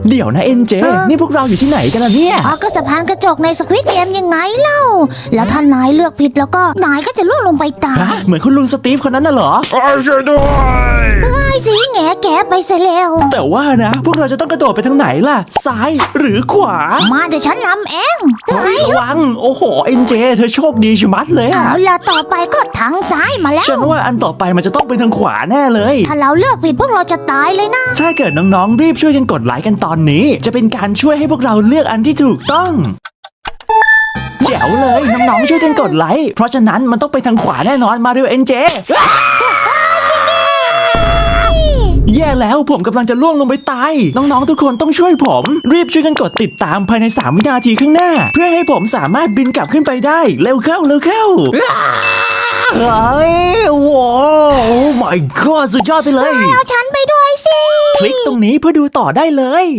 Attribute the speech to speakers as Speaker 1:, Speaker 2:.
Speaker 1: เดี๋ยวนะเอ็นเจนี่พวกเราอยู่ที่ไหนกันล่ะเนี่ย
Speaker 2: ก็สะพานกระจกในสควิดเกมยังไงเล่าแล้วถ้านายเลือกผิดแล้วก็นายก็จะล่วงลงไปตาย
Speaker 1: เหมือนคุณลุงสตีฟคนนั้นน่ะเหรอ
Speaker 3: ช่วยด้วย
Speaker 2: ไอ้สิแง่แกไปซะแล้ว
Speaker 1: แต่ว่านะพวกเราจะต้องกระโดดไปทางไหนล่ะซ้ายหรือขวา
Speaker 2: มาเดี๋ยวฉันนำเอง
Speaker 1: ระวังโอ้โหเอ็นเจเธอโชคดีชะมัดเลยอะ
Speaker 2: เอาล่ะต่อไปก็ทางซ้ายมาแล้ว
Speaker 1: ฉันว่าอันต่อไปมันจะต้องเป็นทางขวาแน่เลย
Speaker 2: ถ้าเราเลือกผิดพวกเราจะตายเลยนะ
Speaker 1: ถ้าเกิดน้องๆรีบช่วยกันกดไลค์กันตอนนี้ จะเป็นการช่วยให้พวกเราเลือกอันที่ถูกต้องแจ๋วเลยน้องๆช่วยกันกดไลค์เพราะฉะนั้นมันต้องไปทางขวาแน่นอนมาเร็วเอ็นเจแย่แล้วผมกำลังจะล่วงลงไปตายน้องๆทุกคนต้องช่วยผมรีบช่วยกันกดติดตามภายใน3วินาทีข้างหน้า เพื่อให้ผมสามารถบินกลับขึ้นไปได้เร็วเข้าเฮ้ยว้าว my god สุดยอดไปเลย
Speaker 2: เอาฉันไปด้วยสิ
Speaker 1: คลิกตรงนี้เพื่อดูต่อได้เลย